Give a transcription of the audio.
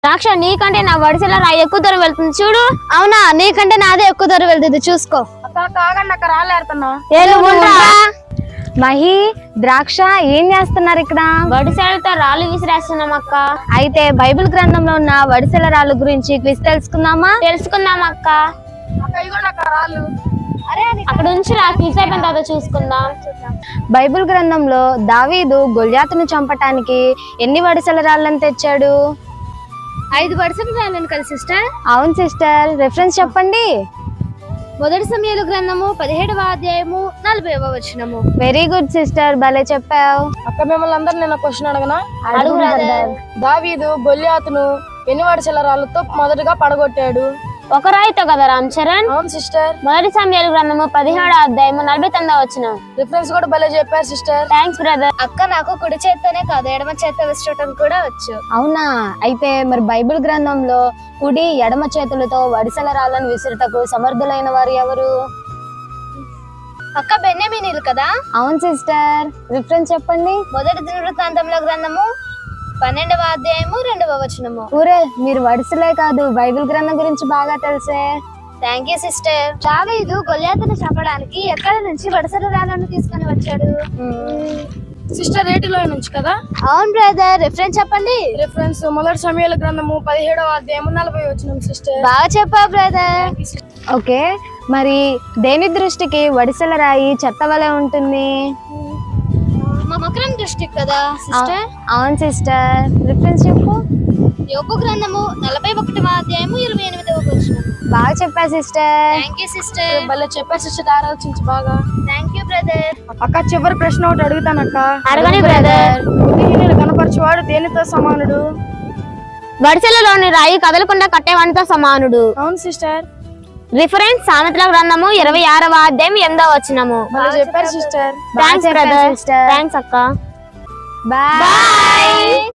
ద్రాక్ష నీకంటే నా వడిసెల రాయి ఎక్కువ దూరం వెళ్తుంది చూడు. అవునా, నీకంటే నాదే ఎక్కువ దూరం వెళ్తుంది చూసుకో. మహి, ద్రాక్ష ఏం చేస్తున్నారు ఇక్కడ? వడిసెలతో రాళ్ళు విసిరేస్తున్నాం అక్క. అయితే బైబిల్ గ్రంథంలో ఉన్న వడిసెల రాళ్ళు గురించి క్విజ్ తెలుసుకుందామా? తెలుసుకుందాం అక్క. అక్కడ నుంచి నాకు క్విజ్ అయిపోయిన తర్వాత చూసుకుందాం. బైబిల్ గ్రంథంలో దావీదు గొల్యాతును చంపటానికి ఎన్ని వడిసెల రాళ్ళని తెచ్చాడు? 5 వడిసెల రాళ్ళను కదా సిస్టర్? అవును సిస్టర్, రిఫరెన్స్ చెప్పండి. మొదటి సమయాల గ్రంథము 17వ అధ్యాయము 40వ వచనము. వెరీ గుడ్ సిస్టర్, భలే చెప్పావు. అక్క మిమ్మల్ని అందరు నేను క్వశ్చన్ అడగనా? అడుగు బ్రదర్. దావీదు గొల్యాతును ఎన్ని వడిసెల రాళ్ళతో మొదటగా పడగొట్టాడు? ఒక రాయితో కదా రామ్ చరణ్. అవును సిస్టర్. మొదటి సమయాల గ్రంథము 17వ అధ్యాయము 49వ వచనం. రిఫరెన్స్ కూడా భలే చెప్పారు సిస్టర్. Thanks brother. అక్క నాకు కుడి చేత్తోనే కాదు ఎడమ చేత్తో విసరటం కూడా వచ్చు. అవునా, అయితే మరి బైబిల్ గ్రంథంలో కుడి ఎడమ చేతులతో వడిసెల రాళ్ళను విసురుటకు సమర్థులైన వారు ఎవరు? అక్క బెన్యామీనీలు కదా? అవును సిస్టర్, రిఫరెన్స్ చెప్పండి. మొదటి దినవృత్తాంతముల గ్రంథము 12వ అధ్యాయము 2వ వచనము. ఊరే, మీరు వడిసెలే కాదు బైబిల్ గ్రంథం గురించి బాగా తెలిసే. Thank you sister. దావీదు గొల్యాతును చంపడానికి ఎక్కడి నుంచి వడిసెల రాళ్ళను తీసుకొని వచ్చాడు? సిస్టర్ రేటిలో నుంచి కదా? అవును బ్రదర్, రిఫరెన్స్ చెప్పండి. రిఫరెన్స్ మొదటి సమయాల గ్రంథము 17వ అధ్యాయము 40వ వచనం సిస్టర్. బాగా చెప్పావు బ్రదర్. ఓకే, మరి దేని దృష్టికి వడిసెల రాయి చెత్త వలె ఉంటుంది? మకరం దృష్టి కదా సిస్టర్? అవును సిస్టర్, రిఫరెన్స్ చెప్పు. యోబు గ్రంథము 41వ అధ్యాయము 28వ వచనం. బాగా చెప్పా సిస్టర్. Thank you sister. భలే చెప్పారు సిస్టర్, ఆలోచించి బాగా. Thank you brother. అక్క చివరి ప్రశ్న ఒకటి అడుగుతానక్క. అడగని బ్రదర్. బుద్ధిహీనులు కనపరచువాడు దేనితో సమానుడు? వడిసెలలోని రాయి కదలకుండా కట్టేవానితో సమానుడు. అవును సిస్టర్. రిఫరెన్స్ సామెతల గ్రంథము 26వ అధ్యాయం 8వ వచనము. భలే చెప్పారు సిస్టర్. Thanks brother. థ్యాంక్స్ అక్క. బాయ్.